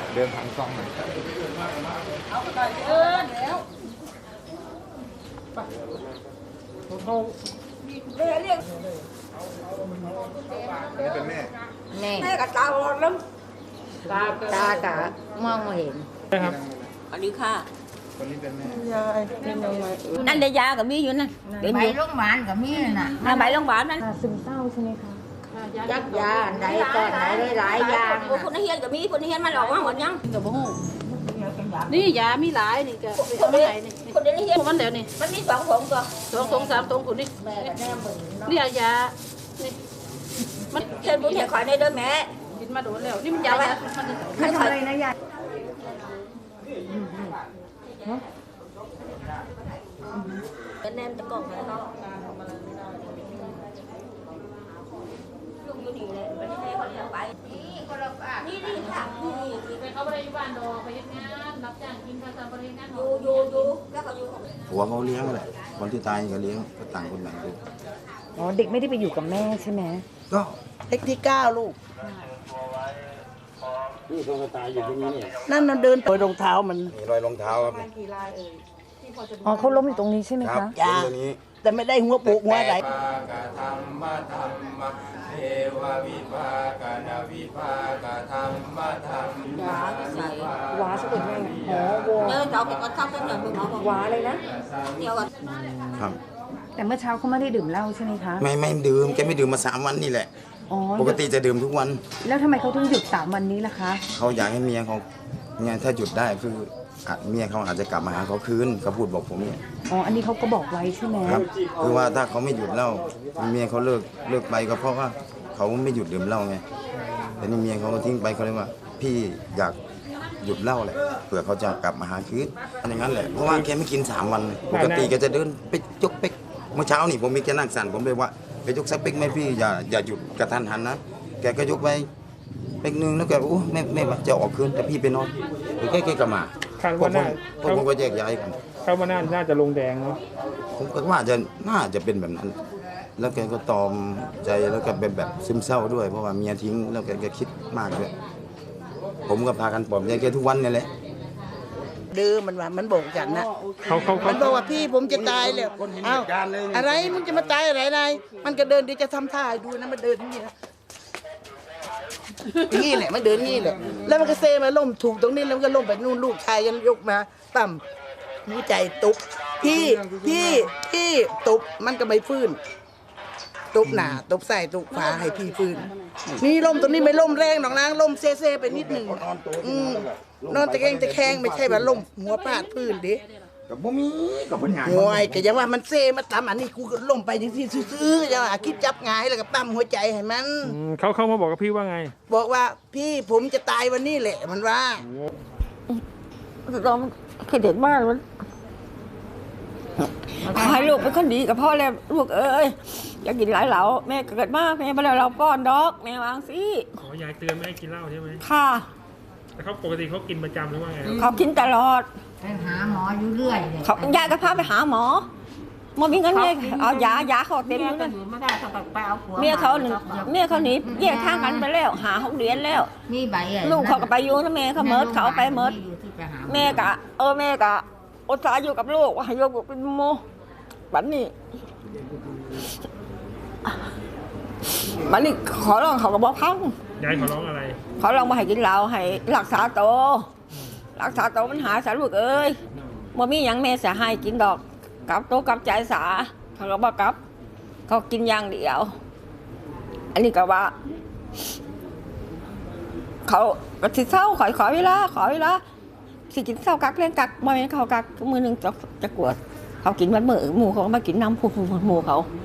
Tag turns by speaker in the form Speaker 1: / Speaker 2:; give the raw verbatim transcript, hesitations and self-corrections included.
Speaker 1: เดินทางกล้องหน่อย
Speaker 2: เอาไปก่อนเออเดี๋ยวเขาเรียกเรียก
Speaker 1: นี่เป็นแม่
Speaker 3: แม่
Speaker 2: แม่กับตาบอดแล้ว
Speaker 3: ตาตากะมองไม่เห็น
Speaker 4: ครับ
Speaker 2: สวัสดีค่ะ
Speaker 1: คนนี้เป็นแม่
Speaker 2: ยายเป็นยังไงนั่นเดียยากับมีอยู่นั่น
Speaker 3: ใบโรงพยาบาลกับมีน่ะ
Speaker 2: นั่นใบโรงพยาบาลนั่น
Speaker 5: ซึมเศร้าใช่ไหมคะ
Speaker 3: ยักยาไหนก่อนไหนหลายๆอย่าง
Speaker 2: คนนี้เฮียนกับมีคนนี้เฮียนมาหลอกว่าหมดยัง
Speaker 5: กับบ่ฮู้นี่ยามีหลายนี่ก็
Speaker 2: คนนี้คนนี้เฮียน
Speaker 5: มันเดี๋ยวนี่
Speaker 2: มันมีสองถุงก็
Speaker 5: สองถุงสามถุงคนนี้นี่ยานี่
Speaker 2: มันเชิญบุญเฮียขอในเด้อแม่
Speaker 5: กินมาโดนแล้วนี่มันยา
Speaker 2: ไม่ทำอะไรนะยายแนมตะกอกแล้วลูกอยู่นี่เลยไม่ได้ให้เขาเลี้ยงไปนี่คนละป้านี่นี่ค่ะนี่
Speaker 5: ไปเขาไปอยู่บ้านดอกไปยังงานรับจ้างกินข้าวสารไปยังงาน
Speaker 2: อยู่อยู่อยู่แล้วก็อยู่
Speaker 6: ผัวเขาเลี้ยงแหละคนที่ตายก็เลี้ยงก็ต่างคนต่างดู
Speaker 5: อ๋อเด็กไม่ได้ไปอยู่กับแม่ใช่ไหม
Speaker 6: ก็
Speaker 7: เล็กที่เก้าลูก
Speaker 6: นี่ตัวตายอยู่ตรงนี้เนี่ย
Speaker 7: นั่นมันเดินรอยรองเท้ามัน
Speaker 6: มีรอยรองเท้าครับ
Speaker 5: อ๋อเขาล้มอยู่ตรงนี้ใช่ไหมคะ
Speaker 6: จ้า
Speaker 7: แต่ไม่ได้หัวปุกหัวอะไร
Speaker 1: เทววิภากนาวิภากธรรมธรรม
Speaker 2: ว้าใส่
Speaker 5: ว้าสะกดยังไงอ๋อว
Speaker 2: เออเราก็ทำเป็นอย่างนี้
Speaker 5: ว้าเลยนะ
Speaker 2: เดียวกัน
Speaker 6: ครับ
Speaker 5: แต่เมื่อเช้าเขาไม่ได้ดื่มเหล้าใช่ไหมคะ
Speaker 6: ไม่ไม่ดื่มแกไม่ดื่มมาสามวันนี่แหละปกติจะดื่มทุกวัน
Speaker 5: แล้วทำไมเขาถึงหยุดสามวันนี้ล่ะคะ
Speaker 6: เขาอยากให้เมียเขาเนี่ยถ้าหยุดได้คือเมียเขาอาจจะกลับมาหาเขาคืนเขาพูดบอกผมเนี่ย
Speaker 5: อ๋ออันนี้เขาก็บอกไว้ใช่ไหม
Speaker 6: ครับคือว่าถ้าเขาไม่หยุดเหล้าเมียเขาเลิกเลิกไปก็เพราะว่าเขาไม่หยุดดื่มเหล้าไงแต่นี่เมียเขาทิ้งไปเขาเลยว่าพี่อยากหยุดเหล้าแหละเผื่อเขาจะกลับมาหาคืนอย่างนั้นแหละเพราะว่าแกไม่กินสามวันปกติแกจะเดินไปยกเป๊กเมื่อเช้านี่ผมมีแกนั่งสั่นผมเลยว่าไปยกสักเป๊กไหมพี่อย่าอย่าหยุดกระทันหันนะแกก็ยกไปเป๊กนึงแล้วแกโอ้ไม่ไม่จะออกคืนแต่พี่ไปนอนหรือแกแกกลับมา
Speaker 4: คาดว่าน่า
Speaker 6: พวกผมก็แยกย้ายกัน
Speaker 4: คาดว่าน่าน่าจะลงแดงเนาะ
Speaker 6: ผมก็ว่าจะน่าจะเป็นแบบนั้นแล้วแกก็ตอมใจแล้วก็เป็นแบบซึมเศร้าด้วยเพราะว่าเมียทิ้งแล้วแกแกคิดมากด้วยผมก็พากันปลอบใจแกทุกวันนี่แหละ
Speaker 7: ดื้อมันว่ามันบอกฉันนะ
Speaker 4: เขาเขา
Speaker 7: มันบอกว่าพี่ผมจะตายแล้วเอ้าอะไรมึงจะมาตายอะไรนายมันก็เดินเดี๋ยวจะทำท่าดูนะมันเดินอย่างนี้นะนี่แหละมันเดินนี่แหละแล้วมันก็เซมาล้มถูกตรงนี้แล้วมันก็ล้มไปนู่นลูกชายยันยกมาต่ำหัวใจตุบพี่พี่พี่ตุบมันก็ไม่ฟื้นตุบหนาตุบใส่ตุบฝาให้พี่ฟื้นนี่ล้มตรงนี้ไม่ล้มแรงหรอกนะล้มเซ่เซ่ไปนิดหนึ่งอืมนอนตะแคงตะแคงไม่ใช่ว่าล้มหัวพาดพื้นดิ
Speaker 6: กับบ่มีกับปัญหา
Speaker 7: โอ้ยก็ยังว่ามันเซ่มาตำอันนี้กูก็ล้มไปอย่างที่ซื้อๆยังว่าคิดจับงายแล้วก็ปั๊มหัวใจให้มัน
Speaker 4: เขาเขามาบอกกับพี่ว่าไง
Speaker 7: บอกว่าพี่ผมจะตายวันนี้แหละมันว่า
Speaker 2: เราเคยเด็กมากมันขอให้ลูกเป็นคนดีกับพ่อแล้วลูกเอ้ยอยากกินหลายเหลาแม่เกิดมากแม่มาแล้วเราป้อนดอกแม่วางสิ
Speaker 4: ขอยายเตือนไม่ให้กินเหล้าใช่ไหม
Speaker 2: ค่ะ
Speaker 4: แต่เขาปกติเขากินประจำหรือว่าไง
Speaker 2: เขากินตลอด
Speaker 3: ไปหาหมออยู่เรื่อย
Speaker 2: เขายายก็พาไปหาหมอมามีเงินเนี่ยเอายายาเขาเต็มเลย
Speaker 3: ไม่ได้เขาไปเอาผัว
Speaker 2: เมียเขาหนึ่งเมียเขาหนีแยกทางกันไปแล้วหาหกเดือนแล้ว
Speaker 3: นี่ใบ
Speaker 2: ลูกเขาก็ไปอยู่นะแม่เขาเมิดเขาไปเมิดแม่กะเออแม่กะอุตส่าห์อยู่กับลูกว่าให้โยกเป็นโมบัดนี้บัดนี้ขอร้องเขาก็บอกพัง
Speaker 4: ยายขอร้องอะไร
Speaker 2: ขอร้องมาให้กินเหล้าให้รักษาตัวรักษาตัวมันหาสาลูกเอ้ยบ่มีหยังแม่จะให้กินดอกกับโตกับใจสาเขาก็บอกกับเขากินอย่างเดียวอันนี้ก็ว่าเขาก็สิเศร้าขอขอเวลาขอเวลาสิกินเศร้ากักเล่นกักบ่แม่นเขากักมือนึงจะจะกวดเขากินวันมื้อหมู่เขาก็มากินน้ำผู้หมู่เขา